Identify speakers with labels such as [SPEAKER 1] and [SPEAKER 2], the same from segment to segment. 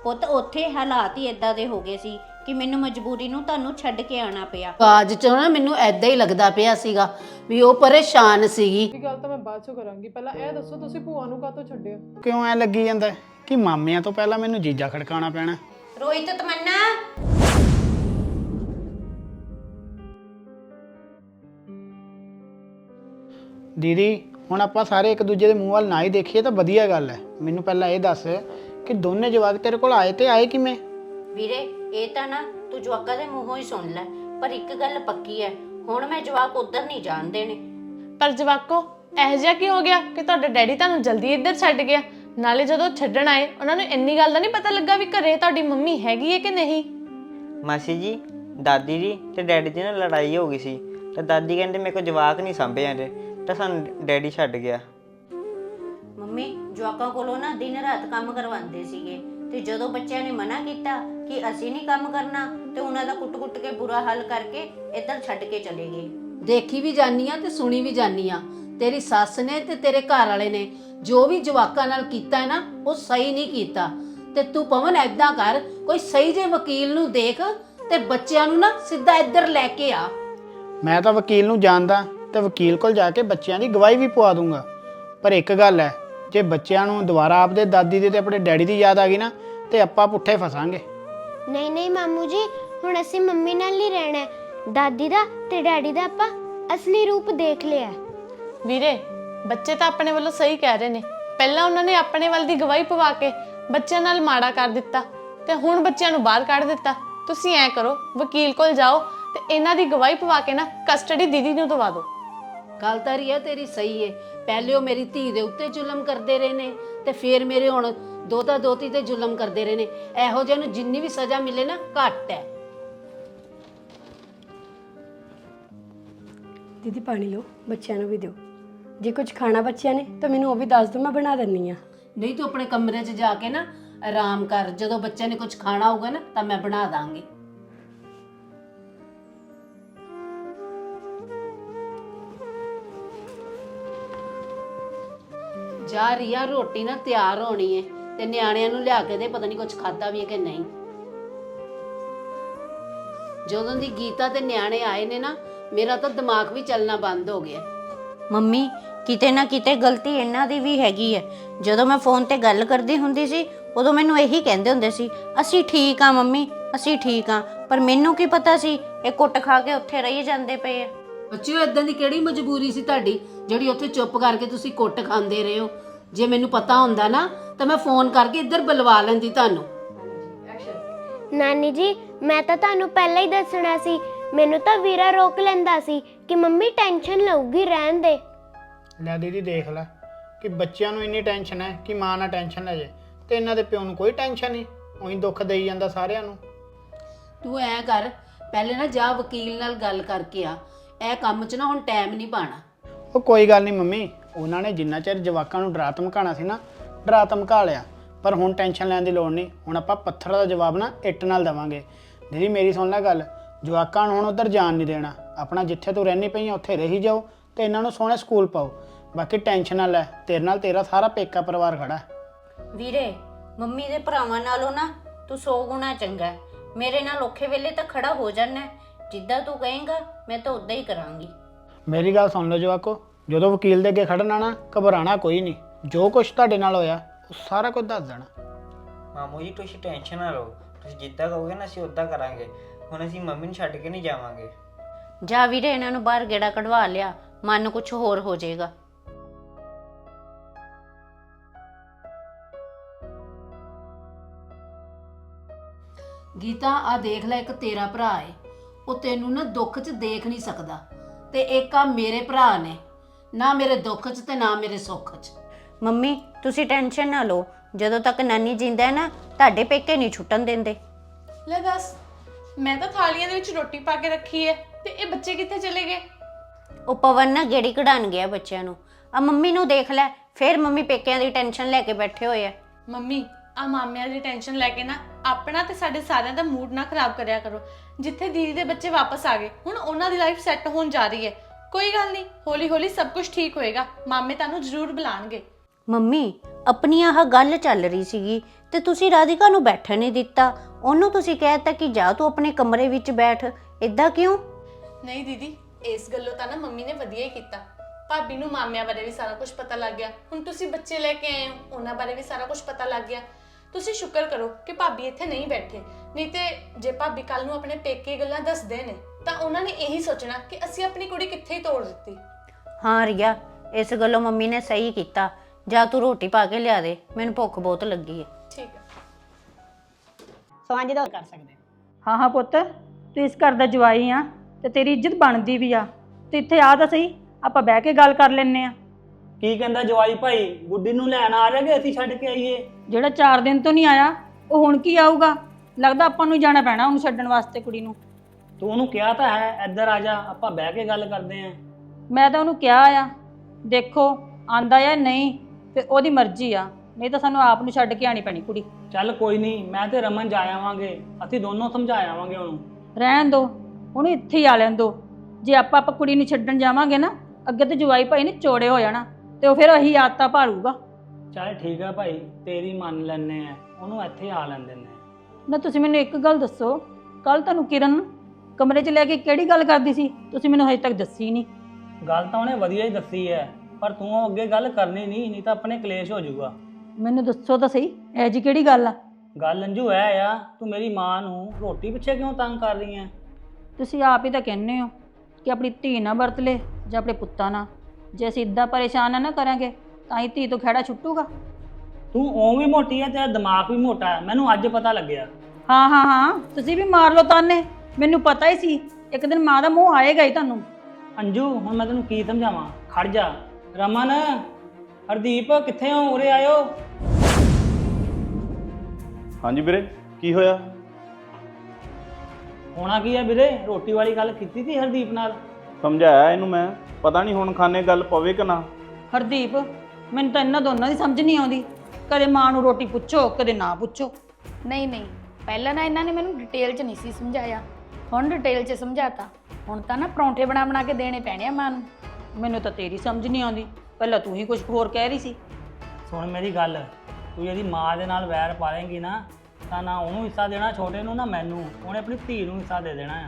[SPEAKER 1] ਪੁੱਤ ਉੱਥੇ ਹਾਲਾਤ ਹੀ ਇਦਾਂ ਦੇ ਹੋ ਗਏ ਸੀ ਕਿ ਮੈਨੂੰ ਮਜਬੂਰੀ ਨੂੰ ਤੁਹਾਨੂੰ ਛੱਡ ਕੇ ਆਣਾ ਪਿਆ।
[SPEAKER 2] ਆਵਾਜ਼ ਚੋਂ ਨਾ ਮੈਨੂੰ ਐਦਾਂ ਹੀ ਲੱਗਦਾ ਪਿਆ ਸੀਗਾ ਵੀ ਉਹ ਪਰੇਸ਼ਾਨ ਸੀਗੀ।
[SPEAKER 3] ਇਹ ਗੱਲ ਤਾਂ ਮੈਂ ਬਾਅਦ ਚੋਂ ਕਰਾਂਗੀ, ਪਹਿਲਾਂ ਇਹ ਦੱਸੋ ਤੁਸੀਂ ਭੂਆ ਨੂੰ ਕਾਹਤੋਂ ਛੱਡਿਆ?
[SPEAKER 4] ਕਿਉਂ ਐ ਲੱਗੀ ਜਾਂਦਾ ਕਿ ਮਾਮਿਆਂ ਤੋਂ ਪਹਿਲਾਂ ਮੈਨੂੰ ਜੀਜਾ ਖੜਕਾਉਣਾ ਪੈਣਾ?
[SPEAKER 1] ਰੋਹਿਤ ਤਮੰਨਾ,
[SPEAKER 4] ਦੀਦੀ ਹੁਣ ਆਪਾਂ ਸਾਰੇ ਇੱਕ ਦੂਜੇ ਦੇ ਮੂੰਹ ਵੱਲ ਨਾ ਹੀ ਦੇਖੀਏ ਤਾਂ ਵਧੀਆ ਗੱਲ ਹੈ। ਮੈਨੂੰ ਪਹਿਲਾਂ ਇਹ ਦੱਸ ਕਿ ਦੋਨੇ ਜਵਾਕ ਤੇਰੇ ਕੋਲ ਆਏ ਤੇ ਆਏ ਕਿਵੇਂ?
[SPEAKER 1] ਵੀਰੇ ਇਹ ਤਾਂ ਨਾ ਤੂੰ ਜਵਾਕਾਂ ਦੇ ਮੂੰਹੋਂ ਹੀ ਸੁਣ ਲੈ, ਪਰ ਇੱਕ ਗੱਲ ਪੱਕੀ ਹੈ, ਹੁਣ ਮੈਂ ਜਵਾਕ ਉਧਰ ਨਹੀਂ ਜਾਣ ਦੇਣੇ।
[SPEAKER 5] ਪਰ ਜਵਾਕੋ ਇਹ ਜਿਹਾ ਕੀ ਹੋ ਗਿਆ ਕਿ ਤੁਹਾਡਾ ਡੈਡੀ ਤੁਹਾਨੂੰ ਜਲਦੀ ਇੱਧਰ ਛੱਡ ਗਿਆ? ਨਾਲੇ ਜਦੋਂ ਛੱਡਣ ਆਏ ਉਹਨਾਂ ਨੂੰ ਇੰਨੀ ਗੱਲ ਦਾ ਨਹੀਂ ਪਤਾ ਲੱਗਾ ਵੀ ਘਰੇ ਤੁਹਾਡੀ ਮੰਮੀ ਹੈਗੀ ਹੈ ਕਿ ਨਹੀਂ?
[SPEAKER 6] ਮਾਸੀ ਜੀ, ਦਾਦੀ ਜੀ ਤੇ ਡੈਡੀ ਦੀ ਨਾਲ ਲੜਾਈ ਹੋ ਗਈ ਸੀ ਤੇ ਦਾਦੀ ਕਹਿੰਦੇ ਮੇਰੇ ਕੋਲ ਜਵਾਕ ਨਹੀਂ ਸਾਂਭੇ ਜਾਂਦੇ ਤਾਂ ਸਾਨੂੰ ਡੈਡੀ ਛੱਡ ਗਿਆ।
[SPEAKER 1] ਮੰਮੀ ਜਵਾਕਾਂ ਕੋਲੋਂ ਨਾ ਦਿਨ ਰਾਤ ਕੰਮ ਕਰਵਾਉਂਦੇ ਸੀਗੇ ਤੇ ਜਦੋਂ ਬੱਚਿਆਂ ਨੇ ਮਨਾ ਕੀਤਾ ਕਿ ਅਸੀਂ ਨਹੀਂ ਕੰਮ ਕਰਨਾ ਤੇ ਉਹਨਾਂ ਦਾ ਕੁੱਟ-ਕੁੱਟ ਕੇ ਬੁਰਾ ਹਾਲ ਕਰਕੇ ਇੱਧਰ ਛੱਡ ਕੇ ਚਲੇ ਗਏ।
[SPEAKER 2] ਦੇਖੀ ਵੀ ਜਾਨੀ ਆ ਤੇ ਸੁਣੀ ਵੀ ਜਾਨੀ ਆ, ਤੇਰੀ ਸੱਸ ਨੇ ਤੇ ਤੇਰੇ ਘਰ ਵਾਲੇ ਨੇ ਜੋ ਵੀ ਜਵਾਕਾਂ ਨਾਲ ਕੀਤਾ ਹੈ ਨਾ ਉਹ ਸਹੀ ਨਹੀਂ ਕੀਤਾ। ਤੇ ਤੂੰ ਪਵਨ ਐਦਾਂ ਕਰ, ਕੋਈ ਸਹੀ ਜੇ ਵਕੀਲ ਨੂੰ ਦੇਖ ਤੇ ਬੱਚਿਆਂ ਨੂੰ ਨਾ ਸਿੱਧਾ ਇੱਧਰ ਲੈ ਕੇ ਆ।
[SPEAKER 4] ਮੈਂ ਤਾਂ ਵਕੀਲ ਨੂੰ ਜਾਣਦਾ ਤੇ ਵਕੀਲ ਕੋਲ ਜਾ ਕੇ ਬੱਚਿਆਂ ਦੀ ਗਵਾਹੀ ਵੀ ਪਵਾ ਦੂੰਗਾ। ਪਰ ਇੱਕ ਗੱਲ ਹੈ, ਜੇ ਬੱਚਿਆਂ ਨੂੰ ਦੁਬਾਰਾ ਆਪਦੇ ਦਾਦੀ ਦੇ ਤੇ ਆਪਣੇ ਡੈਡੀ ਦੀ ਯਾਦ ਆ ਗਈ ਨਾ ਤੇ ਆਪਾਂ ਪੁੱਠੇ ਫਸਾਂਗੇ।
[SPEAKER 7] ਨਹੀਂ ਨਹੀਂ ਮਾਮੂ ਜੀ, ਹੁਣ ਅਸੀਂ ਮੰਮੀ ਨਾਲ ਹੀ ਰਹਿਣਾ ਹੈ। ਦਾਦੀ ਦਾ ਤੇ ਡੈਡੀ ਦਾ ਆਪਾਂ ਅਸਲੀ ਰੂਪ ਦੇਖ ਲਿਆ।
[SPEAKER 5] ਵੀਰੇ ਬੱਚੇ ਤਾਂ ਆਪਣੇ ਵੱਲੋਂ ਸਹੀ ਕਹਿ ਰਹੇ ਨੇ। ਪਹਿਲਾਂ ਉਹਨਾਂ ਨੇ ਆਪਣੇ ਵੱਲ ਦੀ ਗਵਾਹੀ ਪਵਾ ਕੇ ਬੱਚਿਆਂ ਨਾਲ ਮਾੜਾ ਕਰ ਦਿੱਤਾ ਤੇ ਹੁਣ ਬੱਚਿਆਂ ਨੂੰ ਬਾਹਰ ਕੱਢ ਦਿੱਤਾ। ਤੁਸੀਂ ਐ ਕਰੋ, ਵਕੀਲ ਕੋਲ ਜਾਓ ਤੇ ਇਹਨਾਂ ਦੀ ਗਵਾਹੀ ਪਵਾ ਕੇ ਨਾ ਕਸਟਡੀ ਦੀਦੀ ਨੂੰ ਦਵਾ ਦਿਓ।
[SPEAKER 2] ਗੱਲ ਤਾਂ ਰੀਆ ਤੇਰੀ ਸਹੀ ਏ, ਪਹਿਲੇ ਉਹ ਮੇਰੀ ਧੀ ਦੇ ਉੱਤੇ ਜ਼ੁਲਮ ਕਰਦੇ ਰਹੇ ਨੇ ਤੇ ਫਿਰ ਮੇਰੇ ਹੁਣ ਦੋਤਾ ਦੋਤੀ ਤੇ ਜ਼ੁਲਮ ਕਰਦੇ ਰਹੇ ਨੇ। ਇਹੋ ਜਿਹੇ ਨੂੰ ਜਿੰਨੀ ਵੀ ਸਜ਼ਾ ਮਿਲੇ ਨਾ ਘੱਟ ਹੈ।
[SPEAKER 8] दीदी पानी लो, बच्चों को भी दो। जे कुछ खाना बच्चों ने तो मैनू वो भी दस दो, मैं बना दिनी हाँ।
[SPEAKER 2] नहीं तो अपने कमरे 'ਚ जाके ना आराम कर, ਜਦੋਂ ਬੱਚਿਆਂ ਨੇ ਕੁਝ ਖਾਣਾ ਹੋਊਗਾ ਨਾ ਤਾਂ ਮੈਂ ਬਣਾ ਦਾਂਗੀ। ਜਾ ਰੀਆ, ਰੋਟੀ ਨਾ ਤਿਆਰ ਹੋਣੀ ਏ ਤੇ ਨਿਆਣਿਆਂ ਨੂੰ ਲਿਆ ਕੇ ਦੇ, ਪਤਾ ਨਹੀਂ ਕੁਝ ਖਾਦਾ ਵੀ ਹੈ ਕਿ ਨਹੀਂ। ਜਦੋਂ ਦੀ ਗੀਤਾ ਤੇ ਨਿਆਣੇ ਆਏ ਨੇ ਨਾ ਮੇਰਾ ਤਾਂ ਦਿਮਾਗ ਵੀ ਚੱਲਣਾ ਬੰਦ ਹੋ ਗਿਆ।
[SPEAKER 1] ਮੰਮੀ ਕਿਤੇ ਨਾ ਕਿਤੇ ਗਲਤੀ ਇਹਨਾਂ ਦੀ ਵੀ ਹੈਗੀ ਹੈ। ਜਦੋਂ ਮੈਂ ਫੋਨ ਤੇ ਗੱਲ ਕਰਦੀ ਹੁੰਦੀ ਸੀ ਉਦੋਂ ਮੈਨੂੰ ਇਹੀ ਕਹਿੰਦੇ ਹੁੰਦੇ ਸੀ, ਅਸੀਂ ਠੀਕ ਆ ਮੰਮੀ, ਅਸੀਂ ਠੀਕ ਆ। ਪਰ ਮੈਨੂੰ ਕੀ ਪਤਾ ਸੀ ਇਹ ਕੁੱਟ ਖਾ ਕੇ ਉੱਥੇ ਰਹੀ ਜਾਂਦੇ ਪਏ ਆ।
[SPEAKER 2] ਬੱਚਿਓ ਇਦਾਂ ਦੀ ਕਿਹੜੀ ਮਜਬੂਰੀ ਸੀ ਤੁਹਾਡੀ ਜਿਹੜੀ ਉੱਥੇ ਚੁੱਪ ਕਰਕੇ ਤੁਸੀਂ ਕੁੱਟ ਖਾਂਦੇ ਰਹੇ ਹੋ? ਜੇ ਮੈਨੂੰ ਪਤਾ ਹੁੰਦਾ ਨਾ ਤਾਂ ਮੈਂ ਫੋਨ ਕਰਕੇ ਇੱਧਰ ਬੁਲਵਾ ਲੈਂਦੀ ਤੁਹਾਨੂੰ।
[SPEAKER 7] ਨਾਨੀ ਜੀ, ਮੈਂ ਤਾਂ ਤੁਹਾਨੂੰ ਪਹਿਲਾਂ ਹੀ ਦੱਸਣਾ ਸੀ। ਮੈਨੂੰ ਤਾਂ ਵੀਰਾ ਰੋਕ ਲੈਂਦਾ ਸੀ ਕਿ ਮੰਮੀ ਟੈਨਸ਼ਨ ਲਊਗੀ, ਰਹਿਣ ਦੇ।
[SPEAKER 4] ਲੈ ਦੀਦੀ ਦੇਖ ਲੈ ਕਿ ਬੱਚਿਆਂ ਨੂੰ ਇੰਨੀ ਟੈਨਸ਼ਨ ਹੈ ਕਿ ਮਾਂ ਨਾਲ ਟੈਨਸ਼ਨ ਲੈ ਜੇ ਤੇ ਇਹਨਾਂ ਦੇ ਪਿਓ ਨੂੰ ਕੋਈ ਟੈਨਸ਼ਨ ਨਹੀਂ, ਉਹੀ ਦੁੱਖ ਦੇਈ ਜਾਂਦਾ ਸਾਰਿਆਂ ਨੂੰ।
[SPEAKER 2] ਤੂੰ ਐ ਕਰ, ਪਹਿਲੇ ਨਾ ਜਾ ਵਕੀਲ ਨਾਲ ਗੱਲ ਕਰਕੇ ਆ। ਇਹ ਕੰਮ 'ਚ ਨਾ ਹੁਣ ਟਾਈਮ ਨਹੀਂ ਪਾਣਾ।
[SPEAKER 4] ਉਹ ਕੋਈ ਗੱਲ ਨਹੀਂ ਮੰਮੀ, ਉਹਨਾਂ ਨੇ ਜਿੰਨਾ ਚਿਰ ਜਵਾਕਾਂ ਨੂੰ ਡਰਾ ਧਮਕਾਉਣਾ ਸੀ ਨਾ ਡਰਾ ਧਮਕਾ ਲਿਆ। ਪਰ ਹੁਣ ਟੈਨਸ਼ਨ ਲੈਣ ਦੀ ਲੋੜ ਨਹੀਂ, ਹੁਣ ਆਪਾਂ ਪੱਥਰ ਦਾ ਜਵਾਬ ਨਾ ਇੱਟ ਨਾਲ ਦੇਵਾਂਗੇ। ਦੀਦੀ ਮੇਰੀ ਸੁਣ ਲੈ ਗੱਲ, ਜਵਾਕਾਂ ਨੂੰ ਹੁਣ ਉੱਧਰ ਜਾਣ ਨਹੀਂ ਦੇਣਾ। ਆਪਣਾ ਜਿੱਥੇ ਤੂੰ ਰਹਿਣੀ ਪਈ ਉੱਥੇ ਰਹੀ ਜਾਓ ਤੇ ਇਹਨਾਂ ਨੂੰ ਸੋਹਣੇ ਸਕੂਲ ਪਾਓ। ਬਾਕੀ ਟੈਨਸ਼ਨ ਨਾ ਲੈ, ਤੇਰੇ ਨਾਲ ਤੇਰਾ ਸਾਰਾ ਪੇਕਾ ਪਰਿਵਾਰ ਖੜਾ।
[SPEAKER 1] ਵੀਰੇ ਮੰਮੀ ਦੇ ਭਰਾਵਾਂ ਨਾਲੋਂ ਨਾ ਤੂੰ 100 ਗੁਣਾ ਚੰਗਾ ਹੈ। ਮੇਰੇ ਨਾਲ ਔਖੇ ਵੇਲੇ ਤਾਂ ਖੜਾ ਹੋ ਜਾਣਾ। ਜਿੱਦਾਂ ਤੂੰ ਕਹੇਂਗਾ ਮੈਂ ਤਾਂ ਉਦਾਂ ਹੀ ਕਰਾਂਗੀ।
[SPEAKER 4] ਮੇਰੀ ਗੱਲ ਸੁਣ ਲਓ ਜਵਾਕੋ, ਜਦੋਂ ਵਕੀਲ ਦੇ ਅੱਗੇ ਖੜਨਾ ਨਾ ਘਬਰਾਣਾ ਕੋਈ ਨਹੀਂ। ਜੋ ਕੁਝ ਤੁਹਾਡੇ ਨਾਲ ਹੋਇਆ ਉਹ ਸਾਰਾ ਕੁਝ ਦੱਸ ਦੇਣਾ।
[SPEAKER 6] ਮਾਮੂ ਜੀ ਤੁਸੀਂ ਟੈਨਸ਼ਨ ਨਾ ਲਓ, ਤੁਸੀਂ ਜਿੱਦਾਂ ਕਹੋਗੇ ਨਾ ਅਸੀਂ ਉੱਦਾਂ ਕਰਾਂਗੇ। ਹੁਣ ਅਸੀਂ ਮੰਮੀ ਨੂੰ ਛੱਡ ਕੇ ਨਹੀਂ ਜਾਵਾਂਗੇ।
[SPEAKER 1] ਜਾ ਵੀਰੇ ਇਹਨਾਂ ਨੂੰ ਬਾਹਰ ਗੇੜਾ ਕਢਵਾ ਲਿਆ, ਮਨ ਕੁਝ ਹੋਰ ਹੋ ਜਾਏਗਾ।
[SPEAKER 2] ਗੀਤਾ ਆ ਦੇਖ ਲੈ, ਇੱਕ ਤੇਰਾ ਭਰਾ ਏ, ਉਹ ਤੈਨੂੰ ਨਾ ਦੁੱਖ 'ਚ ਦੇਖ ਨਹੀਂ ਸਕਦਾ ਤੇ ਇੱਕ ਆ ਮੇਰੇ ਭਰਾ ਨੇ, ਨਾ ਮੇਰੇ ਦੁੱਖ 'ਚ ਤੇ ਨਾ ਮੇਰੇ ਸੁੱਖ 'ਚ।
[SPEAKER 1] ਮੰਮੀ ਤੁਸੀਂ ਟੈਨਸ਼ਨ ਨਾ ਲਓ, ਜਦੋਂ ਤੱਕ ਨਾਨੀ ਜਿੰਦਾ ਹੈ ਨਾ ਤੁਹਾਡੇ ਪੇਕੇ ਨਹੀਂ ਛੁੱਟਣ ਦਿੰਦੇ।
[SPEAKER 5] ਲੈ ਦੱਸ, ਮੈਂ ਤਾਂ ਥਾਲੀਆਂ ਦੇ ਵਿੱਚ ਰੋਟੀ ਪਾ ਕੇ ਰੱਖੀ ਹੈ ਤੇ ਇਹ ਬੱਚੇ ਕਿੱਥੇ ਚਲੇ ਗਏ?
[SPEAKER 1] ਉਹ ਪਵਨ ਨਾ ਗੇੜੀ ਕਢਾਣ ਗਿਆ ਬੱਚਿਆਂ ਨੂੰ। ਆ ਮੰਮੀ ਨੂੰ ਦੇਖ ਲੈ, ਫਿਰ ਮੰਮੀ ਪੇਕਿਆਂ ਦੀ ਟੈਨਸ਼ਨ ਲੈ ਕੇ ਬੈਠੇ ਹੋਏ ਆ।
[SPEAKER 5] ਮੰਮੀ ਆ ਮਾਮਿਆਂ ਦੀ ਟੈਨਸ਼ਨ ਲੈ ਕੇ ਨਾ ਆਪਣਾ ਤੇ ਸਾਡੇ ਸਾਰਿਆਂ ਦਾ ਮੂਡ ਨਾ ਖਰਾਬ ਕਰਿਆ ਕਰੋ। ਜਿੱਥੇ ਦੀਦੀ ਦੇ ਬੱਚੇ ਵਾਪਸ ਆ ਗਏ, ਹੁਣ ਉਹਨਾਂ ਦੀ ਲਾਈਫ ਸੈੱਟ ਹੋਣ ਜਾ ਰਹੀ ਹੈ। ਕੋਈ ਗੱਲ ਨਹੀਂ, ਹੌਲੀ ਹੌਲੀ ਸਭ ਕੁਝ ਠੀਕ ਹੋਏਗਾ। ਮਾਮੇ ਤੁਹਾਨੂੰ ਜ਼ਰੂਰ ਬੁਲਾਣਗੇ।
[SPEAKER 1] ਮੰਮੀ ਆਪਣੀ ਆਹ ਗੱਲ ਚੱਲ ਰਹੀ ਸੀਗੀ ਤੇ ਤੁਸੀਂ ਰਾਧਿਕਾ ਨੂੰ ਬੈਠਣ ਨਹੀਂ ਦਿੱਤਾ। ਉਹਨੂੰ ਤੁਸੀਂ ਕਹਿਤਾ ਕਿ ਜਾ ਤੂੰ ਆਪਣੇ ਕਮਰੇ ਵਿੱਚ ਬੈਠ। ਇਦਾਂ ਕਿਉਂ?
[SPEAKER 5] ਨਹੀਂ ਦੀਦੀ, ਇਸ ਗੱਲੋਂ ਤਾਂ ਨਾ ਮੰਮੀ ਨੇ ਵਧੀਆ ਹੀ ਕੀਤਾ। ਭਾਬੀ ਨੂੰ ਮਾਮਿਆਂ ਬਾਰੇ ਵੀ ਸਾਰਾ ਕੁਝ ਪਤਾ ਲੱਗ ਗਿਆ। ਹੁਣ ਤੁਸੀਂ ਬੱਚੇ ਲੈ ਕੇ ਆਏ ਹੋ, ਉਹਨਾਂ ਬਾਰੇ ਵੀ ਸਾਰਾ ਕੁਝ ਪਤਾ ਲੱਗ ਗਿਆ। ਤੁਸੀਂ ਸ਼ੁਕਰ ਕਰੋ ਕਿ ਭਾਬੀ ਇੱਥੇ ਨਹੀਂ ਬੈਠੇ, ਨਹੀਂ ਤੇ ਜੇ ਭਾਬੀ ਕੱਲ ਨੂੰ ਆਪਣੇ ਪੇਕੇ ਗੱਲਾਂ ਦੱਸਦੇ ਨੇ ਤਾਂ ਉਹਨਾਂ ਨੇ ਇਹੀ ਸੋਚਣਾ ਕਿ ਅਸੀਂ ਆਪਣੀ ਕੁੜੀ ਕਿੱਥੇ ਹੀ ਤੋੜ ਦਿੱਤੀ।
[SPEAKER 1] ਹਾਂ ਰੀਆ, ਇਸ ਗੱਲੋਂ ਮੰਮੀ ਨੇ ਸਹੀ ਕੀਤਾ। ਜਾ ਤੂੰ ਰੋਟੀ ਪਾ ਕੇ ਲਿਆ ਦੇ, ਮੈਨੂੰ ਭੁੱਖ ਬਹੁਤ ਲੱਗੀ ਹੈ।
[SPEAKER 5] ਠੀਕ ਹੈ।
[SPEAKER 9] ਸਾਂਝ ਦਾ ਕਰ ਸਕਦੇ ਹਾਂ। ਹਾਂ ਪੁੱਤ, ਤੂੰ ਇਸ ਘਰ ਦਾ ਜਵਾਈ ਆ ਤੇ ਤੇਰੀ ਇੱਜ਼ਤ ਬਣਦੀ ਵੀ ਆ। ਤੇ ਇੱਥੇ ਆ ਤਾਂ ਸਹੀ, ਆਪਾਂ ਬਹਿ ਕੇ ਗੱਲ ਕਰ ਲੈਨੇ ਆ।
[SPEAKER 10] ਕੀ ਕਹਿੰਦਾ ਜਵਾਈ ਭਾਈ? ਗੁੱਡੀ ਨੂੰ ਲੈਣ ਆ ਰਿਹਾ ਕਿ ਅਸੀਂ ਛੱਡ ਕੇ ਆਈਏ?
[SPEAKER 9] ਜਿਹੜਾ 4 ਦਿਨ ਤੋਂ ਨਹੀਂ ਆਇਆ ਉਹ ਹੁਣ ਕੀ ਆਊਗਾ? ਲੱਗਦਾ ਆਪਾਂ ਨੂੰ ਜਾਣਾ ਪੈਣਾ ਉਹਨੂੰ ਛੱਡਣ ਵਾਸਤੇ ਕੁੜੀ ਨੂੰ।
[SPEAKER 10] ਤੂੰ ਉਹਨੂੰ ਕਿਹਾ ਤਾਂ ਹੈ ਇੱਧਰ ਆ ਜਾ, ਆਪਾਂ ਬਹਿ ਕੇ ਗੱਲ ਕਰਦੇ ਆਂ।
[SPEAKER 9] ਮੈਂ ਤਾਂ ਉਹਨੂੰ ਕਿਹਾ ਆ, ਦੇਖੋ ਆਂਦਾ ਜਾਂ ਨਹੀਂ ਤੇ ਉਹਦੀ ਮਰਜ਼ੀ ਆ, ਨਹੀਂ ਤਾਂ ਸਾਨੂੰ ਆਪ ਨੂੰ ਛੱਡ ਕੇ ਆਣੀ ਪੈਣੀ ਕੁੜੀ।
[SPEAKER 10] ਚੱਲ ਕੋਈ ਨਹੀਂ, ਮੈਂ ਤੇ ਰਮਨ ਜਾ ਆਵਾਂਗੇ, ਅਸੀਂ ਦੋਨੋਂ ਸਮਝਾ ਆਵਾਂਗੇ ਉਹਨੂੰ।
[SPEAKER 9] ਰਹਿਣ ਦੋ, ਉਹਨੂੰ ਇੱਥੇ ਹੀ ਆ ਲੈਣ ਦੋ। ਜੇ ਆਪਾਂ ਕੁੜੀ ਨੂੰ ਛੱਡਣ ਜਾਵਾਂਗੇ ਨਾ, ਅੱਗੇ ਤੇ ਜਵਾਈ ਭਾਈ ਨੇ ਚੋੜੇ ਹੋ ਜਾਣਾ ਤੇ ਉਹ ਫਿਰ ਉਹੀ ਆਦਤਾਂ ਭਾਲੂਗਾ।
[SPEAKER 10] ਚੱਲ ਠੀਕ ਆ ਭਾਈ, ਤੇਰੀ ਮੰਨ ਲੈਨੇ ਆ, ਉਹਨੂੰ ਇੱਥੇ ਆ ਲੈਣ ਦਿੰਦੇ ਆ।
[SPEAKER 9] ਨਾ ਤੁਸੀਂ ਮੈਨੂੰ ਇੱਕ ਗੱਲ ਦੱਸੋ, ਕੱਲ ਤੁਹਾਨੂੰ ਕਿਰਨ ਕਮਰੇ 'ਚ ਲੈ ਕੇ ਕਿਹੜੀ ਗੱਲ ਕਰਦੀ ਸੀ? ਤੁਸੀਂ ਮੈਨੂੰ ਹਜੇ ਤੱਕ ਦੱਸੀ ਨਹੀਂ।
[SPEAKER 10] ਗੱਲ ਤਾਂ ਉਹਨੇ ਵਧੀਆ ਹੀ ਦੱਸੀ ਹੈ, ਪਰ ਤੂੰ ਅੱਗੇ ਗੱਲ ਕਰਨੀ ਨਹੀਂ ਤਾਂ ਆਪਣੇ ਕਲੇਸ਼ ਹੋ ਜਾਊਗਾ।
[SPEAKER 9] ਮੈਨੂੰ ਦੱਸੋ ਤਾਂ ਸਹੀ, ਇਹ ਜੀ ਕਿਹੜੀ ਗੱਲ ਆ?
[SPEAKER 10] ਗੱਲ ਅੰਜੂ ਹੈ ਆ, ਤੂੰ ਮੇਰੀ ਮਾਂ ਨੂੰ ਰੋਟੀ ਪਿੱਛੇ ਕਿਉਂ ਤੰਗ ਕਰ ਰਹੀ ਹੈ?
[SPEAKER 9] ਤੁਸੀਂ ਆਪ ਹੀ ਤਾਂ ਕਹਿੰਦੇ ਹੋ ਕਿ ਆਪਣੀ ਧੀ ਨਾਲ ਵਰਤ ਲੈ ਜਾਂ ਆਪਣੇ ਪੁੱਤਾਂ ਨਾਲ। ਜੇ ਅਸੀਂ ਇੱਦਾਂ ਪਰੇਸ਼ਾਨ ਨਾ ਕਰਾਂਗੇ ਤਾਂ ਹੀ ਧੀ ਤੋਂ ਖਹਿੜਾ ਛੁੱਟੂਗਾ।
[SPEAKER 10] ਤੂੰ ਉਹ ਵੀ ਮੋਟੀ ਹੈ, ਤੇਰਾ ਦਿਮਾਗ ਵੀ ਮੋਟਾ ਹੈ, ਮੈਨੂੰ ਅੱਜ ਪਤਾ ਲੱਗਿਆ।
[SPEAKER 9] ਹਾਂ, ਤੁਸੀਂ ਵੀ ਮਾਰ ਲਓ ਤਾਨੇ, ਮੈਨੂੰ ਪਤਾ ਹੀ ਸੀ ਇੱਕ ਦਿਨ ਮਾਂ ਦਾ ਮੂੰਹ ਆਏਗਾ ਹੀ ਤੁਹਾਨੂੰ।
[SPEAKER 10] ਅੰਜੂ ਹੁਣ ਮੈਂ ਤੈਨੂੰ ਕੀ ਸਮਝਾਵਾਂ? ਖੜ ਜਾ। ਰਮਨ, ਹਰਦੀਪ ਕਿੱਥੇ ਹੋ? ਉਰੇ ਆਇਓ।
[SPEAKER 11] ਹਾਂਜੀ ਵੀਰੇ, ਕੀ ਹੋਇਆ?
[SPEAKER 10] ਹੋਣਾ ਕੀ ਹੈ ਵੀਰੇ, ਰੋਟੀ ਵਾਲੀ ਗੱਲ ਕੀਤੀ ਸੀ ਹਰਦੀਪ ਨਾਲ।
[SPEAKER 11] ਸਮਝਾਇਆ ਇਹਨੂੰ ਮੈਂ, ਪਤਾ ਨਹੀਂ ਹੁਣ ਖਾਣੇ ਗੱਲ ਪਵੇ ਕਿ ਨਾ।
[SPEAKER 9] ਹਰਦੀਪ, ਮੈਨੂੰ ਤਾਂ ਇਹਨਾਂ ਦੋਨਾਂ ਦੀ ਸਮਝ ਨਹੀਂ ਆਉਂਦੀ, ਕਦੇ ਮਾਂ ਨੂੰ ਰੋਟੀ ਪੁੱਛੋ ਕਦੇ ਨਾ ਪੁੱਛੋ।
[SPEAKER 12] ਨਹੀਂ ਪਹਿਲਾਂ ਨਾ ਇਹਨਾਂ ਨੇ ਮੈਨੂੰ ਡਿਟੇਲ 'ਚ ਨਹੀਂ ਸੀ ਸਮਝਾਇਆ, ਹੁਣ ਡਿਟੇਲ 'ਚ ਸਮਝਾਤਾ। ਹੁਣ ਤਾਂ ਨਾ ਪਰੌਂਠੇ ਬਣਾ ਕੇ ਦੇਣੇ ਪੈਣੇ ਆ ਮਾਂ ਨੂੰ।
[SPEAKER 9] ਮੈਨੂੰ ਤਾਂ ਤੇਰੀ ਸਮਝ ਨਹੀਂ ਆਉਂਦੀ, ਪਹਿਲਾਂ ਤੂੰ ਹੀ ਕੁਝ ਹੋਰ ਕਹਿ ਰਹੀ ਸੀ।
[SPEAKER 10] ਸੁਣ ਮੇਰੀ ਗੱਲ, ਤੂੰ ਇਹਦੀ ਮਾਂ ਦੇ ਨਾਲ ਵੈਰ ਪਾਲੇਂਗੀ ਨਾ ਤਾਂ ਨਾ ਉਹਨੂੰ ਹਿੱਸਾ ਦੇਣਾ ਛੋਟੇ ਨੂੰ, ਨਾ ਮੈਨੂੰ। ਉਹਨੇ ਆਪਣੀ ਧੀ ਨੂੰ ਹਿੱਸਾ ਦੇ ਦੇਣਾ ਆ।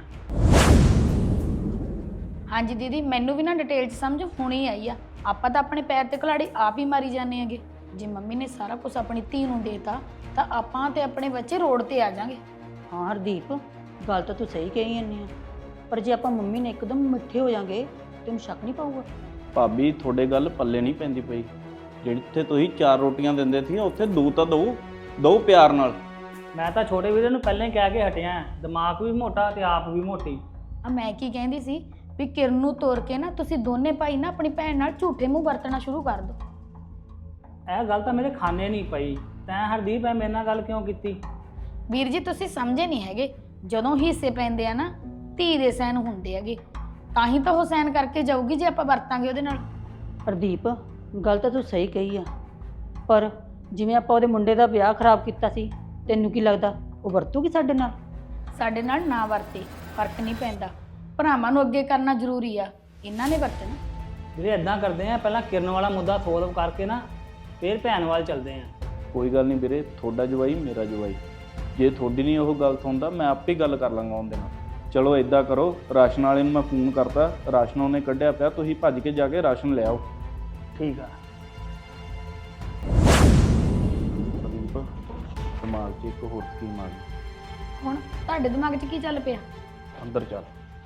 [SPEAKER 12] ਹਾਂਜੀ ਦੀਦੀ, ਮੈਨੂੰ ਵੀ ਨਾ ਡਿਟੇਲ 'ਚ ਸਮਝ ਹੁਣੀ ਆਈ ਆ। ਆਪਾਂ ਤਾਂ ਆਪਣੇ ਪੈਰ ਤੇ ਕੁਲਾੜੀ ਆਪ ਹੀ ਮਾਰੀ ਜਾਂਦੇ ਹੈਗੇ। ਜੇ ਮੰਮੀ ਨੇ ਸਾਰਾ ਕੁਝ ਆਪਣੀ ਧੀ ਨੂੰ ਦੇਤਾ ਤਾਂ ਆਪਾਂ ਤੇ ਆਪਣੇ ਬੱਚੇ ਰੋਡ ਤੇ ਆ ਜਾਾਂਗੇ।
[SPEAKER 9] ਹਾਂ ਹਰਦੀਪ, ਗੱਲ ਤਾਂ ਤੂੰ ਸਹੀ ਕਹੀ ਜਾਂਦੀ ਆ, ਪਰ ਜੇ ਆਪਾਂ ਮੰਮੀ ਨੇ ਇੱਕਦਮ ਮਿੱਠੇ ਹੋ ਜਾਾਂਗੇ ਤੈਨੂੰ ਸ਼ੱਕ ਨਹੀਂ ਪਾਊਗਾ?
[SPEAKER 11] ਭਾਬੀ ਤੁਹਾਡੇ ਗੱਲ ਪੱਲੇ ਨਹੀਂ ਪੈਂਦੀ ਪਈ। ਜਿੱਥੇ ਤੁਸੀਂ 4 ਰੋਟੀਆਂ ਦਿੰਦੇ ਸੀ ਉੱਥੇ 2 ਤਾਂ ਦੋ ਪਿਆਰ ਨਾਲ।
[SPEAKER 10] ਮੈਂ ਤਾਂ ਛੋਟੇ ਵੀਰੇ ਨੂੰ ਪਹਿਲਾਂ ਹੀ ਕਹਿ ਕੇ ਹਟਿਆ, ਦਿਮਾਗ ਵੀ ਮੋਟਾ ਤੇ ਆਪ ਵੀ ਮੋਟੀ।
[SPEAKER 12] ਆ ਮੈਂ ਕੀ ਕਹਿੰਦੀ ਸੀ ਵੀ ਕਿਰਨ ਨੂੰ ਤੋਰ ਕੇ ਨਾ ਤੁਸੀਂ ਦੋਨੇ ਭਾਈ ਨਾ ਆਪਣੀ ਭੈਣ ਨਾਲ ਝੂਠੇ ਮੂੰਹ ਵਰਤਣਾ ਸ਼ੁਰੂ ਕਰ ਦਿਓ।
[SPEAKER 10] ਇਹ ਗੱਲ ਤਾਂ ਮੇਰੇ ਖਾਨੇ ਨਹੀਂ ਪਈ। ਤੈਂ ਹਰਦੀਪ ਐ ਮੇਰੇ ਨਾਲ ਗੱਲ ਕਿਉਂ ਕੀਤੀ?
[SPEAKER 12] ਵੀਰ ਜੀ ਤੁਸੀਂ ਸਮਝੇ ਨਹੀਂ ਹੈਗੇ, ਜਦੋਂ ਹਿੱਸੇ ਪੈਂਦੇ ਆ ਨਾ ਧੀ ਦੇ ਸਹਿਨ ਹੁੰਦੇ ਹੈਗੇ, ਤਾਂ ਹੀ ਤਾਂ ਉਹ ਸਹਿਨ ਕਰਕੇ ਜਾਊਗੀ ਜੇ ਆਪਾਂ ਵਰਤਾਂਗੇ ਉਹਦੇ ਨਾਲ।
[SPEAKER 9] ਹਰਦੀਪ, ਗੱਲ ਤਾਂ ਤੂੰ ਸਹੀ ਕਹੀ ਆ, ਪਰ ਜਿਵੇਂ ਆਪਾਂ ਉਹਦੇ ਮੁੰਡੇ ਦਾ ਵਿਆਹ ਖਰਾਬ ਕੀਤਾ ਸੀ, ਤੈਨੂੰ ਕੀ ਲੱਗਦਾ ਉਹ ਵਰਤੂਗੀ ਸਾਡੇ ਨਾਲ?
[SPEAKER 12] ਸਾਡੇ ਨਾਲ ਨਾ ਵਰਤੇ, ਫਰਕ ਨਹੀਂ ਪੈਂਦਾ। ਭਰਾਵਾਂ ਨੂੰ ਅੱਗੇ ਕਰਨਾ ਜ਼ਰੂਰੀ ਆ, ਇਹਨਾਂ ਨੇ ਵਰਤਣਾ।
[SPEAKER 10] ਵੀਰੇ ਇਦਾਂ ਕਰਦੇ ਆ, ਪਹਿਲਾਂ ਕਿਰਨ ਵਾਲਾ ਮੁੱਦਾ ਸੋਲਵ ਕਰਕੇ ਨਾ ਫਿਰ ਭੈਣ ਵੱਲ ਚੱਲਦੇ ਆ।
[SPEAKER 11] ਕੋਈ ਗੱਲ ਨਹੀਂ ਵੀਰੇ, ਤੁਹਾਡਾ ਜਵਾਈ ਮੇਰਾ ਜਵਾਈ। ਜੇ ਤੁਹਾਡੀ ਨਹੀਂ ਉਹ ਗੱਲ ਸੁਣਦਾ ਮੈਂ ਆਪੇ ਗੱਲ ਕਰ ਲਾਂਗਾ ਉਹਦੇ ਨਾਲ। ਚਲੋ ਇਦਾਂ ਕਰੋ, ਰਾਸ਼ਨ ਵਾਲੇ ਨੂੰ ਮੈਂ ਫੋਨ ਕਰਤਾ, ਰਾਸ਼ਨ ਉਹਨੇ ਕੱਢਿਆ ਪਿਆ, ਤੁਸੀਂ ਭੱਜ ਕੇ ਜਾ ਕੇ ਰਾਸ਼ਨ ਲੈ ਆਓ।
[SPEAKER 10] ਠੀਕ ਆ।
[SPEAKER 11] ਸੰਦੀਪ, ਦਿਮਾਗ 'ਚ ਇੱਕ ਹੋਰ ਸਕੀਮ ਆ ਗਈ।
[SPEAKER 12] ਹੁਣ ਤੁਹਾਡੇ ਦਿਮਾਗ 'ਚ ਕੀ ਚੱਲ ਪਿਆ?
[SPEAKER 11] ਅੰਦਰ ਚੱਲ।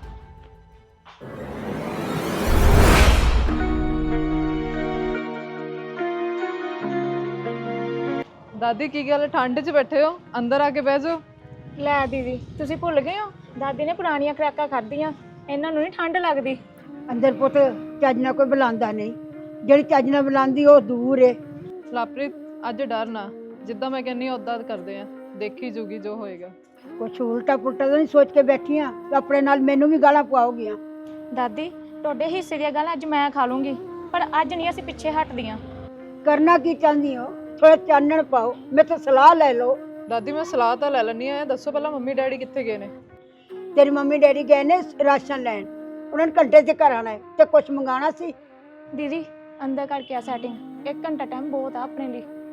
[SPEAKER 3] ਦਾਦੀ ਕੀ ਗੱਲ ਠੰਡ 'ਚ ਬੈਠੇ ਹੋ? ਅੰਦਰ ਆ ਕੇ ਬਹਿ ਜਾਓ।
[SPEAKER 13] ਲੈ ਦੀਦੀ, ਤੁਸੀਂ ਭੁੱਲ ਗਏ ਹੋ ਦਾਦੀ ਨੇ ਪੁਰਾਣੀਆਂ ਖੁਰਾਕਾਂ ਖਾਧੀਆਂ, ਇਹਨਾਂ ਨੂੰ ਨਹੀਂ ਠੰਡ ਲੱਗਦੀ।
[SPEAKER 14] ਅੰਦਰ ਪੁੱਤ ਚੱਜ ਨਾਲ ਕੋਈ ਬੁਲਾਉਂਦਾ ਨਹੀਂ, ਜਿਹੜੀ ਚੱਜ ਨਾਲ ਬੁਲਾਉਂਦੀ ਉਹ ਦੂਰ ਏ।
[SPEAKER 3] ਲਾਪ੍ਰੀਤ, ਅੱਜ ਡਰ ਨਾ, ਜਿੱਦਾਂ ਮੈਂ ਕਹਿੰਨੀ ਉਦਾਂ ਕਰਦੇ ਆ, ਦੇਖੀ ਜੂਗੀ ਜੋ ਹੋਏਗਾ।
[SPEAKER 14] ਕੁਛ ਉਲਟਾ ਪੁਲਟਾ ਤਾਂ ਨਹੀਂ ਸੋਚ ਕੇ ਬੈਠੀਆਂ, ਆਪਣੇ ਨਾਲ ਮੈਨੂੰ ਵੀ ਗਾਲਾਂ ਪਵਾਓਗੀਆਂ।
[SPEAKER 13] ਦਾਦੀ, ਤੁਹਾਡੇ ਹਿੱਸੇ ਦੀਆਂ ਗੱਲਾਂ ਅੱਜ ਮੈਂ ਖਾ ਲੂੰਗੀ, ਪਰ ਅੱਜ ਨਹੀਂ ਅਸੀਂ ਪਿੱਛੇ ਹਟਦੀਆਂ।
[SPEAKER 14] ਕਰਨਾ ਕੀ ਚਾਹੁੰਦੀ ਹੋ? ਥੋੜਾ ਚਾਨਣ ਪਾਓ, ਮੇਰੇ ਤੋਂ ਸਲਾਹ ਲੈ ਲਓ।
[SPEAKER 3] ਦਾਦੀ ਮੈਂ ਸਲਾਹ ਤਾਂ ਲੈ ਲੈਣੀ ਆ, ਦੱਸੋ ਪਹਿਲਾਂ ਮੰਮੀ ਡੈਡੀ ਕਿੱਥੇ ਗਏ ਨੇ?
[SPEAKER 14] ਤੇਰੀ ਮੰਮੀ ਡੈਡੀ ਗਏ ਨੇ ਰਾਸ਼ਨ ਲੈਣ, ਉਹਨਾਂ ਨੇ ਘੰਟੇ 'ਚ ਘਰ ਆਉਣਾ ਹੈ ਤੇ ਕੁਛ ਮੰਗਾਉਣਾ ਸੀ।
[SPEAKER 13] ਦੀਦੀ ਅੰਦਰ ਕਰਕੇ ਆ ਸੈਟਿੰਗ, 1 ਘੰਟਾ ਟਾਈਮ ਬਹੁਤ ਆ ਆਪਣੇ ਲਈ।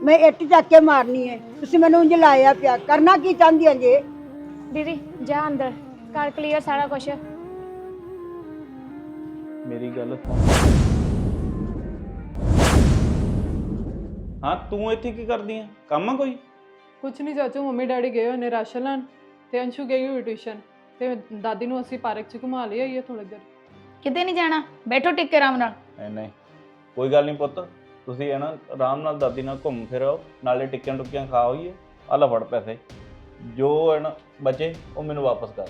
[SPEAKER 14] ਮੈਂ ਇੱਟ ਚੱਕ ਕੇ ਮਾਰਨੀ ਹੈ। ਤੁਸੀਂ ਮੈਨੂੰ ਉਂਝ ਲਾਇਆ ਪਿਆ, ਕਰਨਾ ਕੀ ਚਾਹੁੰਦੀਆਂ ਜੇ?
[SPEAKER 13] ਦੀਦੀ ਜਾ ਅੰਦਰ ਕਰ ਕਲੀਅਰ ਸਾਰਾ ਕੁਝ।
[SPEAKER 11] ਮੇਰੀ ਗੱਲ ਸੁਣ। ਹਾਂ ਤੂੰ ਇੱਥੇ ਕੀ ਕਰਦੀ ਆ? ਕੰਮ ਆ ਕੋਈ?
[SPEAKER 3] ਕੁਛ ਨਹੀਂ ਚਾਚੂ, ਮੰਮੀ ਡੈਡੀ ਗਏ ਹੋਏ ਨੇ ਰਾਸ਼ਨ ਲੈਣ ਤੇ ਅੰਸ਼ੂ ਗਈ ਹੋਈ ਟਿਊਸ਼ਨ ਤੇ ਦਾਦੀ ਨੂੰ ਅਸੀਂ ਪਾਰਕ 'ਚ ਘੁਮਾ ਲਈ ਆਈਏ ਥੋੜੀ ਦੇਰ।
[SPEAKER 12] ਕਿਤੇ ਨਹੀਂ ਜਾਣਾ, ਬੈਠੋ ਟਿਕ ਕੇ ਆਰਾਮ ਨਾਲ।
[SPEAKER 11] ਨਹੀਂ ਕੋਈ ਗੱਲ ਨਹੀਂ ਪੁੱਤ, ਤੁਸੀਂ ਹੈ ਨਾ ਆਰਾਮ ਨਾਲ ਦਾਦੀ ਨਾਲ ਘੁੰਮ ਫਿਰ ਆਓ, ਨਾਲੇ ਟਿੱਕੀਆਂ ਟੁੱਕੀਆਂ ਖਾ ਹੋਈਏ। ਆਹ ਲੈ ਫੜ ਪੈਸੇ, ਜੋ ਹੈ ਨਾ ਬਚੇ ਉਹ ਮੈਨੂੰ ਵਾਪਸ ਕਰ।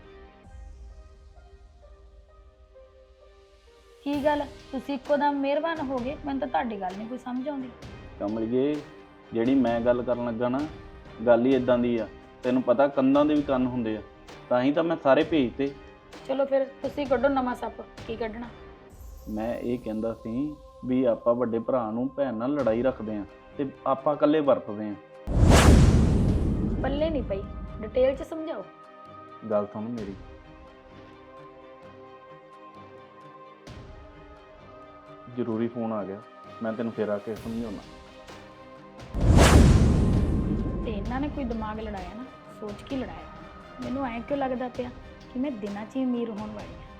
[SPEAKER 12] ਕੀ ਗੱਲ ਤੁਸੀਂ ਇੱਕੋ ਦਮ ਮਿਹਰਬਾਨ ਹੋ ਗਏ? ਮੈਨੂੰ ਤਾਂ ਤੁਹਾਡੀ ਗੱਲ ਨਹੀਂ ਕੋਈ ਸਮਝ ਆਉਂਦੀ।
[SPEAKER 11] ਕਮਲੀਏ, ਜਿਹੜੀ ਮੈਂ ਗੱਲ ਕਰਨ ਲੱਗਾ ਨਾ, ਗੱਲ ਹੀ ਇਦਾਂ ਦੀ ਆ। ਤੈਨੂੰ ਪਤਾ ਕੰਧਾਂ ਦੇ ਵੀ ਕੰਨ ਹੁੰਦੇ ਆ, ਤਾਂ ਹੀ ਤਾਂ ਮੈਂ ਸਾਰੇ ਭੇਜਤੇ।
[SPEAKER 12] ਚਲੋ ਫਿਰ ਤੁਸੀਂ ਕੱਢੋ ਨਵਾਂ ਸੱਪ, ਕੀ ਕੱਢਣਾ?
[SPEAKER 11] ਮੈਂ ਇਹ ਕਹਿੰਦਾ ਸੀ ਵੀ ਆਪਾਂ ਵੱਡੇ ਭਰਾ ਨੂੰ ਭੈਣ ਨਾਲ ਲੜਾਈ ਰੱਖਦੇ ਆ ਤੇ ਆਪਾਂ ਇਕੱਲੇ ਵਰਤਦੇ ਆ।
[SPEAKER 12] ਪੱਲੇ ਨਹੀਂ ਪਈ, ਡਿਟੇਲ 'ਚ ਸਮਝਾਓ।
[SPEAKER 11] ਗੱਲ ਸੁਣ ਮੇਰੀ, ਜ਼ਰੂਰੀ ਫੋਨ ਆ ਗਿਆ, ਮੈਂ ਤੈਨੂੰ ਫੇਰ ਆ ਕੇ ਸਮਝਾਉਣਾ।
[SPEAKER 12] ਤੇ ਇਹਨਾਂ ਨੇ ਕੋਈ ਦਿਮਾਗ ਲੜਾਇਆ ਨਾ, ਸੋਚ ਕੇ ਲੜਾਇਆ। ਮੈਨੂੰ ਐਂ ਕਿਉਂ ਲੱਗਦਾ ਪਿਆ ਕਿ ਮੈਂ ਦਿਨਾਂ 'ਚ ਹੀ ਅਮੀਰ ਹੋਣ ਵਾਲੀ ਹਾਂ।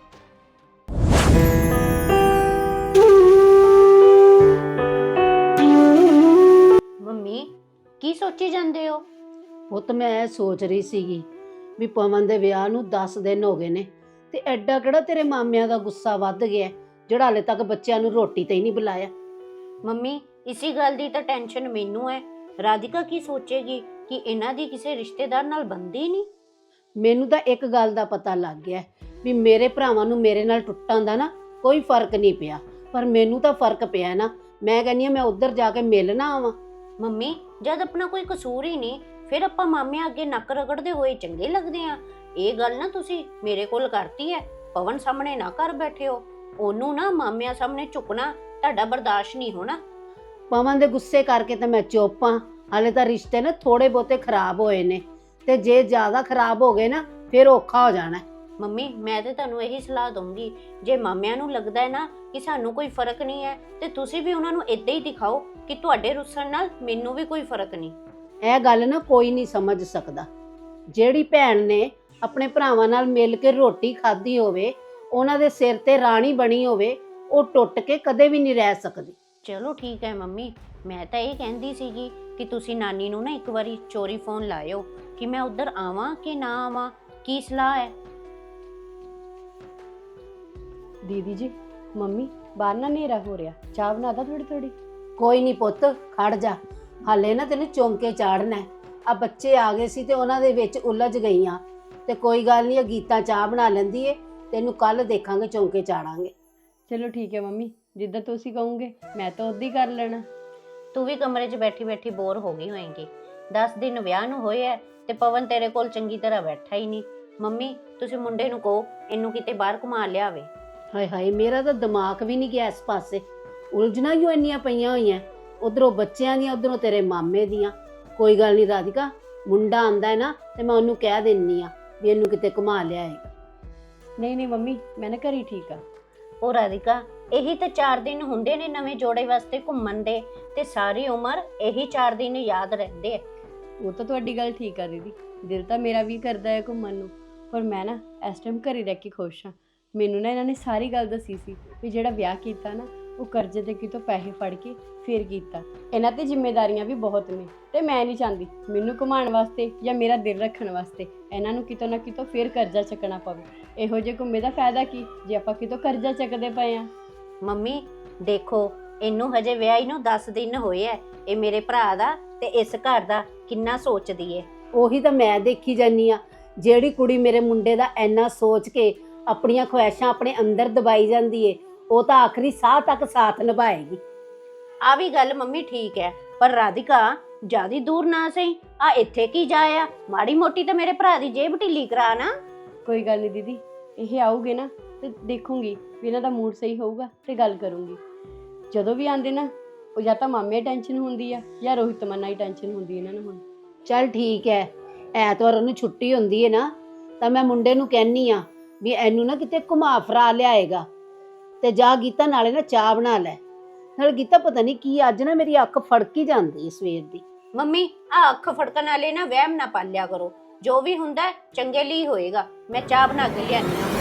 [SPEAKER 1] ਮੰਮੀ ਕੀ ਸੋਚੀ ਜਾਂਦੇ ਹੋ?
[SPEAKER 2] ਪੁੱਤ ਮੈਂ ਇਹ ਸੋਚ ਰਹੀ ਸੀਗੀ ਵੀ ਪਵਨ ਦੇ ਵਿਆਹ ਨੂੰ 10 ਦਿਨ ਹੋ ਗਏ ਨੇ ਤੇ ਐਡਾ ਕਿਹੜਾ ਤੇਰੇ ਮਾਮਿਆਂ ਦਾ ਗੁੱਸਾ ਵੱਧ ਗਿਆ ਜਿਹੜਾ ਹਲੇ ਤੱਕ ਬੱਚਿਆਂ ਨੂੰ ਰੋਟੀ ਤੇ ਹੀ ਨਹੀਂ ਬੁਲਾਇਆ।
[SPEAKER 1] ਮੰਮੀ ਇਸੀ ਗੱਲ ਦੀ ਤਾਂ ਟੈਨਸ਼ਨ ਮੈਨੂੰ ਹੈ। ਰਾਧਿਕਾ ਕੀ ਸੋਚੇਗੀ ਕਿ ਇਹਨਾਂ ਦੀ ਕਿਸੇ ਰਿਸ਼ਤੇਦਾਰ ਨਾਲ ਬਣਦੀ ਨਹੀਂ?
[SPEAKER 2] ਮੈਨੂੰ ਤਾਂ ਇੱਕ ਗੱਲ ਦਾ ਪਤਾ ਲੱਗ ਗਿਆ ਵੀ ਮੇਰੇ ਭਰਾਵਾਂ ਨੂੰ ਮੇਰੇ ਨਾਲ ਟੁੱਟਾਂ ਦਾ ਨਾ ਕੋਈ ਫਰਕ ਨਹੀਂ ਪਿਆ, ਪਰ ਮੈਨੂੰ ਤਾਂ ਫਰਕ ਪਿਆ ਨਾ। ਮੈਂ ਕਹਿੰਦੀ ਹਾਂ ਮੈਂ ਉੱਧਰ ਜਾ ਕੇ ਮਿਲਣਾ ਆਵਾਂ।
[SPEAKER 1] ਮੰਮੀ ਜਦ ਆਪਣਾ ਕੋਈ ਕਸੂਰ ਹੀ ਨਹੀਂ, ਫਿਰ ਆਪਾਂ ਮਾਮਿਆਂ ਅੱਗੇ ਨੱਕ ਰਗੜਦੇ ਹੋਏ ਚੰਗੇ ਲੱਗਦੇ ਆ? ਇਹ ਗੱਲ ਨਾ ਤੁਸੀਂ ਮੇਰੇ ਕੋਲ ਕਰਤੀ ਹੈ, ਪਵਨ ਸਾਹਮਣੇ ਨਾ ਕਰ ਬੈਠੇ ਹੋ। ਉਹਨੂੰ ਨਾ ਮਾਮਿਆਂ ਸਾਹਮਣੇ ਝੁਕਣਾ ਤੁਹਾਡਾ ਬਰਦਾਸ਼ਤ ਨਹੀਂ ਹੋਣਾ।
[SPEAKER 2] ਪਵਨ ਦੇ ਗੁੱਸੇ ਕਰਕੇ ਤਾਂ ਮੈਂ ਚੁੱਪ ਹਾਂ। ਹਾਲੇ ਤਾਂ ਰਿਸ਼ਤੇ ਨਾ ਥੋੜੇ ਬਹੁਤੇ ਖਰਾਬ ਹੋਏ ਨੇ, ਤੇ ਜੇ ਜ਼ਿਆਦਾ ਖਰਾਬ ਹੋ ਗਏ ਨਾ ਫਿਰ ਔਖਾ ਹੋ ਜਾਣਾ।
[SPEAKER 1] ਮੰਮੀ ਮੈਂ ਤੇ ਤੁਹਾਨੂੰ ਇਹੀ ਸਲਾਹ ਦਊਂਗੀ, ਜੇ ਮਾਮਿਆਂ ਨੂੰ ਲੱਗਦਾ ਹੈ ਨਾ ਕਿ ਸਾਨੂੰ ਕੋਈ ਫਰਕ ਨਹੀਂ ਹੈ, ਤੇ ਤੁਸੀਂ ਵੀ ਉਹਨਾਂ ਨੂੰ ਇਦਾਂ ਹੀ ਦਿਖਾਓ ਕਿ ਤੁਹਾਡੇ ਰੁੱਸਣ ਨਾਲ ਮੈਨੂੰ ਵੀ ਕੋਈ ਫਰਕ ਨਹੀਂ।
[SPEAKER 2] ਇਹ ਗੱਲ ਨਾ ਕੋਈ ਨਹੀਂ ਸਮਝ ਸਕਦਾ। ਜਿਹੜੀ ਭੈਣ ਨੇ ਆਪਣੇ ਭਰਾਵਾਂ ਨਾਲ ਮਿਲ ਕੇ ਰੋਟੀ ਖਾਧੀ ਹੋਵੇ, ਉਹਨਾਂ ਦੇ ਸਿਰ ਤੇ ਰਾਣੀ ਬਣੀ ਹੋਵੇ, ਉਹ ਟੁੱਟ ਕੇ ਕਦੇ ਵੀ ਨਹੀਂ ਰਹਿ ਸਕਦੀ।
[SPEAKER 1] ਚਲੋ ਠੀਕ ਹੈ ਮੰਮੀ, ਮੈਂ ਤਾਂ ਇਹ ਕਹਿੰਦੀ ਸੀਗੀ ਕਿ ਤੁਸੀਂ ਨਾਨੀ ਨੂੰ ਨਾ ਇੱਕ ਵਾਰੀ ਚੋਰੀ ਫੋਨ ਲਾਇਓ ਕਿ ਮੈਂ ਉੱਧਰ ਆਵਾਂ ਕਿ ਨਾ ਆਵਾਂ, ਕੀ ਸਲਾਹ ਹੈ?
[SPEAKER 8] ਦੀਦੀ ਜੀ, ਮੰਮੀ ਬਾਹਰ ਨਾ ਹਨੇਰਾ ਹੋ ਰਿਹਾ, ਚਾਹ ਬਣਾ ਦਾ ਥੋੜੀ ਥੋੜੀ।
[SPEAKER 2] ਕੋਈ ਨਹੀਂ ਪੁੱਤ, ਖੜ ਜਾ, ਹਾਲੇ ਨਾ ਤੈਨੂੰ ਚੌਂਕੇ ਚਾੜਨਾ। ਆ ਬੱਚੇ ਆ ਗਏ ਸੀ ਤੇ ਉਹਨਾਂ ਦੇ ਵਿੱਚ ਉਲਝ ਗਈਆਂ, ਤੇ ਕੋਈ ਗੱਲ ਨਹੀਂ, ਗੀਤਾ ਚਾਹ ਬਣਾ ਲੈਂਦੀ ਏ, ਤੈਨੂੰ ਕੱਲ ਦੇਖਾਂਗੇ ਚੌਂਕੇ ਚਾੜਾਂਗੇ।
[SPEAKER 8] ਚਲੋ ਠੀਕ ਹੈ ਮੰਮੀ, ਜਿੱਦਾਂ ਤੁਸੀਂ ਕਹੋਗੇ ਮੈਂ ਤਾਂ ਉਦਾਂ ਹੀ ਕਰ ਲੈਣਾ।
[SPEAKER 1] ਤੂੰ ਵੀ ਕਮਰੇ 'ਚ ਬੈਠੀ ਬੈਠੀ ਬੋਰ ਹੋ ਗਈ ਹੋਏਂਗੀ। 10 ਦਿਨ ਵਿਆਹ ਨੂੰ ਹੋਏ ਐ ਤੇ ਪਵਨ ਤੇਰੇ ਕੋਲ ਚੰਗੀ ਤਰ੍ਹਾਂ ਬੈਠਾ ਹੀ ਨਹੀਂ। ਮੰਮੀ ਤੁਸੀਂ ਮੁੰਡੇ ਨੂੰ ਕਹੋ ਇਹਨੂੰ ਕਿਤੇ ਬਾਹਰ ਘੁਮਾ ਲਿਆਵੇ।
[SPEAKER 2] ਹਾਏ ਹਾਏ, ਮੇਰਾ ਤਾਂ ਦਿਮਾਗ ਵੀ ਨਹੀਂ ਗਿਆ ਇਸ ਪਾਸੇ। ਉਲਝਣਾ ਹੀ ਇੰਨੀਆਂ ਪਈਆਂ ਹੋਈਆਂ, ਉਧਰੋਂ ਬੱਚਿਆਂ ਦੀਆਂ, ਉਧਰੋਂ ਤੇਰੇ ਮਾਮੇ ਦੀਆਂ। ਕੋਈ ਗੱਲ ਨਹੀਂ ਰਾਧਿਕਾ, ਮੁੰਡਾ ਆਂਦਾ ਹੈ ਨਾ ਤੇ ਮੈਂ ਉਹਨੂੰ ਕਹਿ ਦਿੰਨੀ ਆ ਵੀ ਇਹਨੂੰ ਕਿਤੇ ਘੁਮਾ ਲਿਆਏਗਾ।
[SPEAKER 8] ਨਹੀਂ ਨਹੀਂ ਮੰਮੀ, ਮੈਂ ਨਾ ਘਰੀ ਠੀਕ ਆ।
[SPEAKER 1] ਉਹ ਰਾਧਿਕਾ, ਇਹੀ ਤਾਂ 4 ਦਿਨ ਹੁੰਦੇ ਨੇ ਨਵੇਂ ਜੋੜੇ ਵਾਸਤੇ ਘੁੰਮਣ ਦੇ, ਤੇ ਸਾਰੀ ਉਮਰ ਇਹੀ 4 ਦਿਨ ਯਾਦ ਰਹਿੰਦੇ ਆ।
[SPEAKER 8] ਉਹ ਤਾਂ ਤੁਹਾਡੀ ਗੱਲ ਠੀਕ ਆ ਦੀਦੀ, ਦਿਲ ਤਾਂ ਮੇਰਾ ਵੀ ਕਰਦਾ ਹੈ ਘੁੰਮਣ ਨੂੰ, ਪਰ ਮੈਂ ਨਾ ਇਸ ਟਾਈਮ ਘਰੇ ਰਹਿ ਕੇ ਖੁਸ਼ ਹਾਂ। ਮੈਨੂੰ ਨਾ ਇਹਨਾਂ ਨੇ ਸਾਰੀ ਗੱਲ ਦੱਸੀ ਸੀ ਵੀ ਜਿਹੜਾ ਵਿਆਹ ਕੀਤਾ ਨਾ ਉਹ ਕਰਜ਼ੇ ਦੇ ਕਿਤੋਂ ਪੈਸੇ ਫੜ ਕੇ ਫਿਰ ਕੀਤਾ। ਇਹਨਾਂ ਤੇ ਜ਼ਿੰਮੇਵਾਰੀਆਂ ਵੀ ਬਹੁਤ ਨੇ, ਤੇ ਮੈਂ ਨਹੀਂ ਚਾਹੁੰਦੀ ਮੈਨੂੰ ਘੁਮਾਉਣ ਵਾਸਤੇ ਜਾਂ ਮੇਰਾ ਦਿਲ ਰੱਖਣ ਵਾਸਤੇ ਇਹਨਾਂ ਨੂੰ ਕਿਤੋਂ ਨਾ ਕਿਤੋਂ ਫਿਰ ਕਰਜ਼ਾ ਚੱਕਣਾ ਪਵੇ। ਇਹੋ ਜਿਹੇ ਘੁੰਮੇ ਦਾ ਫਾਇਦਾ ਕੀ ਜੇ ਆਪਾਂ ਕਿਤੋਂ ਕਰਜ਼ਾ ਚੱਕਦੇ ਪਏ ਆ।
[SPEAKER 1] ਮੰਮੀ ਦੇਖੋ, ਇਹਨੂੰ ਹਜੇ ਵਿਆਹੀ ਨੂੰ 10 ਦਿਨ ਹੋਏ ਐ। ਇਹ ਮੇਰੇ ਭਰਾ ਦਾ ਤੇ ਇਸ ਘਰ ਦਾ ਕਿੰਨਾ ਸੋਚਦੀ ਏ।
[SPEAKER 2] ਉਹੀ ਤਾਂ ਮੈਂ ਦੇਖੀ ਜਾਨੀ ਆ, ਜਿਹੜੀ ਕੁੜੀ ਮੇਰੇ ਮੁੰਡੇ ਦਾ ਇੰਨਾ ਸੋਚ ਕੇ ਆਪਣੀਆਂ ਖੁਆਇਸ਼ਾਂ ਆਪਣੇ ਅੰਦਰ ਦਬਾਈ ਜਾਂਦੀ ਏ, ਉਹ ਤਾਂ ਆਖਰੀ ਸਾਹ ਤੱਕ ਸਾਥ ਨਿਭਾਏਗੀ।
[SPEAKER 1] ਆ ਵੀ ਗੱਲ ਮੰਮੀ ਠੀਕ ਹੈ, ਪਰ ਰਾਧਿਕਾ ਜਿਆਦੀ ਦੂਰ ਨਾ ਸਹੀ, ਆ ਇੱਥੇ ਕੀ ਜਾਇਆ? ਮਾੜੀ ਮੋਟੀ ਤਾਂ ਮੇਰੇ ਭਰਾ ਦੀ ਜੇਬ ਢਿੱਲੀ ਕਰਾ ਨਾ।
[SPEAKER 8] ਕੋਈ ਗੱਲ ਨਹੀਂ ਦੀਦੀ, ਇਹ ਆਉਗੇ ਨਾ ਤੇ ਦੇਖੂੰਗੀ ਵੀ ਇਹਨਾਂ ਦਾ ਮੂਡ ਸਹੀ ਹੋਊਗਾ ਤੇ ਗੱਲ ਕਰੂੰਗੀ। ਜਦੋਂ ਵੀ ਆਂਦੇ ਨਾ, ਉਹ ਜਾਂ ਤਾਂ ਮਾਮੇ ਟੈਨਸ਼ਨ ਹੁੰਦੀ ਆ ਜਾਂ ਰੋਹਿਤ ਤਮੰਨਾ ਹੀ ਟੈਨਸ਼ਨ ਹੁੰਦੀ ਇਹਨਾਂ ਨੂੰ। ਹੁਣ
[SPEAKER 2] ਚੱਲ ਠੀਕ ਹੈ, ਐਤਵਾਰ ਉਹਨੂੰ ਛੁੱਟੀ ਹੁੰਦੀ ਹੈ ਨਾ, ਤਾਂ ਮੈਂ ਮੁੰਡੇ ਨੂੰ ਕਹਿਨੀ ਆ ਵੀ ਇਹਨੂੰ ਨਾ ਕਿਤੇ ਘੁਮਾ ਫਰਾ ਲਿਆਏਗਾ, ਤੇ ਜਾ ਗੀਤਾ ਨਾਲੇ ਨਾ ਚਾਹ ਬਣਾ ਲੈ। ਨਾਲ ਗੀਤਾ ਪਤਾ ਨਹੀਂ ਕੀ ਅੱਜ ਨਾ ਮੇਰੀ ਅੱਖ ਫੜਕ ਹੀ ਜਾਂਦੀ ਹੈ ਸਵੇਰ ਦੀ।
[SPEAKER 1] ਮੰਮੀ ਆ ਅੱਖ ਫੜਕਣ ਵਾਲੇ ਨਾ ਵਹਿਮ ਨਾ ਪਾਲਿਆ ਕਰੋ। ਜੋ ਵੀ ਹੁੰਦਾ ਹੈ, ਚੰਗੇ ਲਈ ਹੋਏਗਾ। ਮੈਂ ਚਾਹ ਬਣਾ ਕੇ ਲਿਆਨੀ ਆ।